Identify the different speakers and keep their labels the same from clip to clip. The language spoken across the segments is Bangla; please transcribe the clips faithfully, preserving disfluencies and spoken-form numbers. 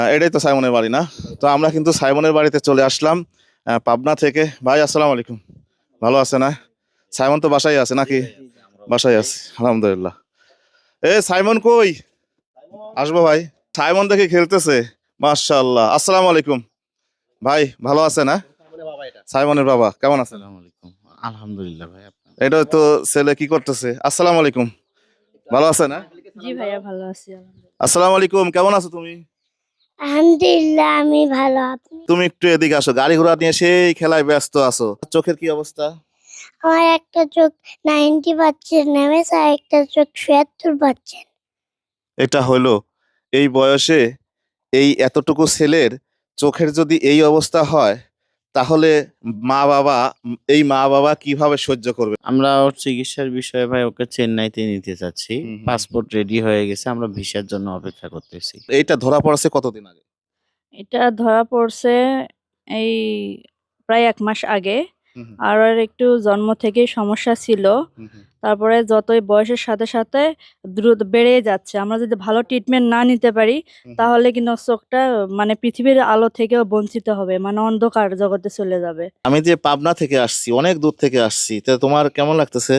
Speaker 1: এটাই তো সাইমনের বাড়ি না? তো আমরা কিন্তু সাইমনের বাড়িতে চলে আসলাম আহ, পাবনা থেকে। ভাই আসসালামু আলাইকুম, ভালো আছে না? সাইমন তো বাসায় আছে নাকি? বাসায় আছে, আলহামদুলিল্লাহ। এ সাইমন কই? আসবো ভাই। সাইমন দেখে খেলতেছে, মাশাআল্লাহ। আসসালামু আলাইকুম ভাই, ভালো আছে না? সাইমনের বাবা কেমন আছেন?
Speaker 2: আসসালামু আলাইকুম। আলহামদুলিল্লাহ ভাই আপনার।
Speaker 1: এটা তো ছেলে কি করতেছে? আসসালামু আলাইকুম, ভালো আছে না?
Speaker 3: জি ভাইয়া ভালো আছি আলহামদুলিল্লাহ।
Speaker 1: আসসালামু আলাইকুম, কেমন আছো তুমি?
Speaker 4: আলহামদুলিল্লাহ আমি ভালো। আপনি?
Speaker 1: তুমি একটু এদিকে আসো, গাড়ি ঘোড়া নিয়ে সেই খেলায় ব্যস্ত আছো। চোখের কি অবস্থা?
Speaker 4: আমার একটা চোখ নাইনটি পার্সেন্ট নেমেছে, আর একটা চোখ ছিয়াত্তর পার্সেন্ট।
Speaker 1: এটা হলো এই বয়সে এই এতটুকু ছেলের চোখের যদি এই অবস্থা হয়, তাহলে মা বাবা এই মা বাবা কিভাবে সহ্য করবে?
Speaker 2: আমরা ওর চিকিৎসার বিষয়ে ভাই ওকে চেন্নাইতে নিতে চাচ্ছি।
Speaker 1: হুম, হুম।
Speaker 2: পাসপোর্ট রেডি হয়ে গেছে। আমরা ভিসার জন্য অপেক্ষা করতেছি।
Speaker 1: এইটা ধরা পড়ছে কতদিন আগে?
Speaker 3: এটা ধরা পড়ছে এই প্রায় এক মাস আগে।
Speaker 1: হুম, হুম,
Speaker 3: আর ওর একটু জন্ম থেকেই সমস্যা ছিল।
Speaker 1: হুম, হুম।
Speaker 3: তারপরে যতই বয়সের সাথে সাথে দ্রুত বেড়ে যাচ্ছে। আমরা যদি ভালো ট্রিটমেন্ট না নিতে পারি
Speaker 1: হুম,
Speaker 3: তাহলে কিন্তু ওর চোখটা মানে পৃথিবীর আলো থেকেও বঞ্চিত হবে, মানে অন্ধকার জগতে চলে যাবে।
Speaker 1: আমি যে পাবনা থেকে আসছি, অনেক দূর থেকে আসছি, তা তোমার কেমন লাগতেছে?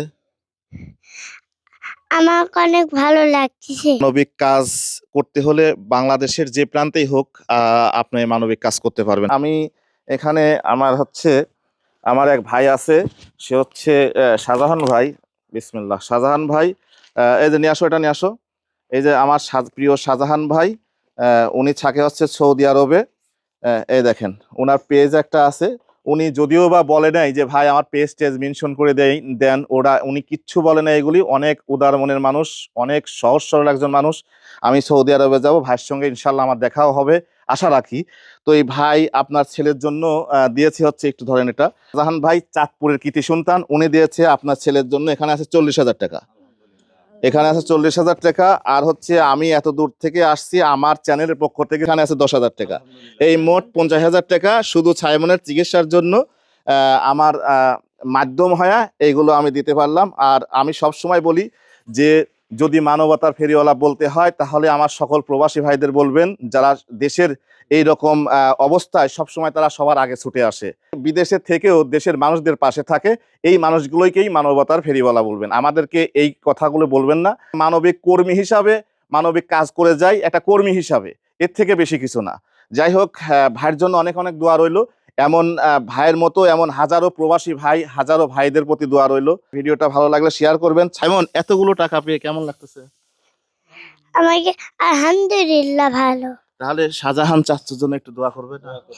Speaker 4: আমার অনেক ভালো লাগছে।
Speaker 1: মানবিক কাজ করতে হলে বাংলাদেশের যে প্রান্তেই হোক আহ, আপনি মানবিক কাজ করতে পারবেন। আমি এখানে আমার হচ্ছে আমার এক ভাই আছে, সে হচ্ছে আহ, শাহজাহান ভাই। বিসমিল্লাহ, শাহজাহান ভাই। আহ, এই যে নিয়ে আসো, এটা নিয়ে আসো। এই যে আমার শাহ- প্রিয় শাহজাহান ভাই, আহ, উনি থাকে হচ্ছে সৌদি আরবে। আহ, এই দেখেন ওনার পেজ একটা আছে। উনি যদিও বা বলে নাই যে ভাই আমার পেজ টেজ মেনশন করে দেই দেন, ওরা উনি কিচ্ছু বলে না। এগুলি অনেক উদার মনের মানুষ, অনেক সহজ সরল একজন মানুষ। আমি সৌদি আরবে যাব, ভাইয়ের সঙ্গে ইনশাল্লাহ আমার দেখাও হবে, আশা রাখি। তো এই ভাই আপনার ছেলের জন্য আহ, দিয়েছে হচ্ছে, একটু ধরেন এটা। জাহান ভাই চাঁদপুরের কৃতি সন্তান, উনি দিয়েছে আপনার ছেলের জন্য, এখানে আছে চল্লিশ হাজার টাকা। এখানে আছে চল্লিশ হাজার টাকা। আর হচ্ছে আমি এত দূর থেকে আসছি, আমার চ্যানেলের পক্ষ থেকে এখানে আছে দশ হাজার টাকা। এই মোট পঞ্চাশ হাজার টাকা শুধু সাইমনের চিকিৎসার জন্য আহ, আমার আহ, মাধ্যম হয়ে এইগুলো আমি দিতে পারলাম। আর আমি সব সময় বলি যে যদি মানবতার ফেরিওয়ালা বলতে হয়, তাহলে আমার সকল প্রবাসী ভাইদের বলবেন, যারা দেশের এই রকম আহ, অবস্থায় সবসময় তারা সবার আগে ছুটে আসে, বিদেশে থেকেও দেশের মানুষদের পাশে থাকে, এই মানুষগুলোকেই মানবতার ফেরিওয়ালা বলবেন। আমাদেরকে এই কথাগুলো বলবেন না। মানবিক কর্মী হিসাবে মানবিক কাজ করে যাই, একটা কর্মী হিসাবে, এর থেকে বেশি কিছু না। যাই হোক, আহ, ভাইয়ের জন্য অনেক অনেক দোয়া রইলো। এমন আহ, ভাইয়ের মতো এমন হাজারো প্রবাসী ভাই, হাজারো ভাইদের প্রতি দোয়া রইলো। ভিডিওটা ভালো লাগলে শেয়ার করবেন। সাইমন, এতগুলো টাকা পেয়ে কেমন লাগতেছে?
Speaker 4: আমাকে আলহামদুলিল্লাহ ভালো।
Speaker 1: তাহলে শাহজাহান চাচ্চুর জন্য একটু দোয়া করবেন।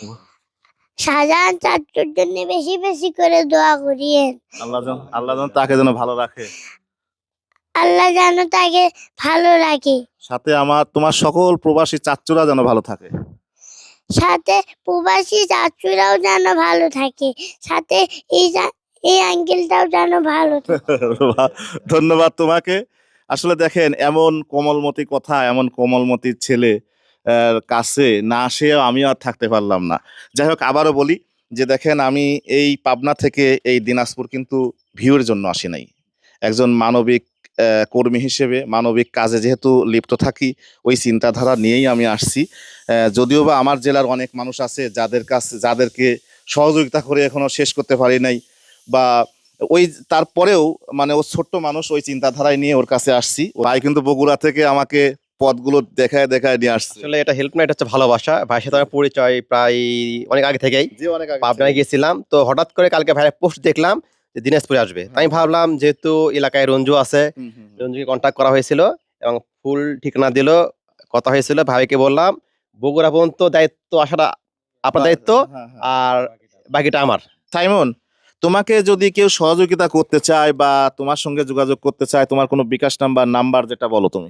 Speaker 4: শাহজাহান চাচুর জন্য বেশি বেশি করে দোয়া করিয়েন।
Speaker 1: আল্লাহ যেন আল্লাহ যেন তাকে যেন ভালো রাখে।
Speaker 4: আল্লাহ যেন তাকে ভালো রাখে।
Speaker 1: সাথে আমার তোমার সকল প্রবাসী চাচ্চুরা যেন ভালো থাকে।
Speaker 4: সাথে প্রবাসী চাচুরাও যেন ভালো থাকে। সাথে এই জা- এই আঙ্কেলটাও যেন ভালো থাকে।
Speaker 1: ধন্যবাদ তোমাকে। আসলে দেখেন, এমন কোমলমতি কথা, এমন কোমলমতি ছেলে আহ, কাছে না আসেও আমি আর থাকতে পারলাম না। যাই হোক, আবারও বলি যে দেখেন, আমি এই পাবনা থেকে এই দিনাজপুর কিন্তু ভিউর জন্য আসি নাই। একজন মানবিক আহ, কর্মী হিসেবে মানবিক কাজে যেহেতু লিপ্ত থাকি, ওই চিন্তাধারা নিয়েই আমি আসছি। আহ, যদিও বা আমার জেলার অনেক মানুষ আছে যাদের কাছে যাদেরকে সহযোগিতা করে এখনো শেষ করতে পারি নাই, বা ওই তারপরেও মানে ও ছোট্ট মানুষ, ওই চিন্তাধারায় নিয়ে ওর কাছে আসছি। ভাই কিন্তু বগুড়া থেকে আমাকে পথগুলো দেখায় দেখায় নিয়ে আসছে।
Speaker 5: আসলে এটা হেল্প না, এটা হচ্ছে ভালোবাসা। ভাইয়ের সাথে আমার পরিচয় প্রায় অনেক আগে থেকেই।
Speaker 1: জি, অনেক আগে
Speaker 5: পাবনায়
Speaker 1: থেকে।
Speaker 5: গিয়েছিলাম, তো হঠাৎ করে কালকে ভাইয়ের পোস্ট দেখলাম যে দিনাজপুরে আসবে। তাই আমি ভাবলাম যেহেতু এলাকায় রঞ্জু আছে,
Speaker 1: হুম, হুম, হুম।
Speaker 5: রঞ্জুকে কন্ট্যাক্ট করা হয়েছিল এবং ফুল ঠিকানা দিল, কথা হয়েছিল। ভাইকে বললাম বগুড়া পর্যন্ত দায়িত্ব আসাটা আপনার দায়িত্ব,
Speaker 1: হ্যাঁ, হ্যাঁ।
Speaker 5: আর বাকিটা আমার।
Speaker 1: সাইমন, তোমাকে যদি কেউ সহযোগিতা করতে চায় বা তোমার সঙ্গে যোগাযোগ করতে চায়, তোমার কোনো বিকাশ নাম্বার নাম্বার যেটা বলো তুমি।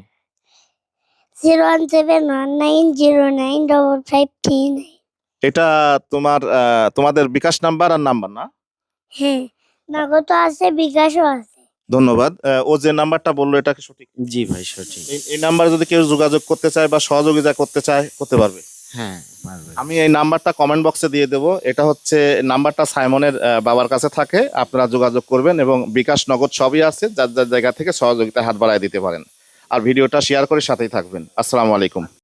Speaker 4: Zero one seven one nine zero nine double five three nine.
Speaker 1: এটা তোমার আহ, তোমাদের বিকাশ নাম্বার আর নাম্বার না?
Speaker 4: হ্যাঁ, নগদ আছে, বিকাশও আছে।
Speaker 1: ধন্যবাদ। আহ, ও যে নাম্বারটা বললো এটা কি সঠিক?
Speaker 2: জি ভাই সঠিক।
Speaker 1: এই এই নাম্বারে যদি কেউ যোগাযোগ করতে চায় বা সহযোগিতা করতে চায়, করতে পারবে।
Speaker 2: হ্যাঁ, পারবে।
Speaker 1: আমি এই নাম্বারটা কমেন্ট বক্সে দিয়ে দেবো। এটা হচ্ছে নাম্বারটা সাইমনের আহ, বাবার কাছে থাকে, আপনারা যোগাযোগ করবেন এবং বিকাশ নগদ সবই আছে, যার যার জায়গা থেকে সহযোগিতা হাত বাড়ায় দিতে পারেন। আর ভিডিওটা শেয়ার করে সাথেই থাকবেন। আসসালামু আলাইকুম।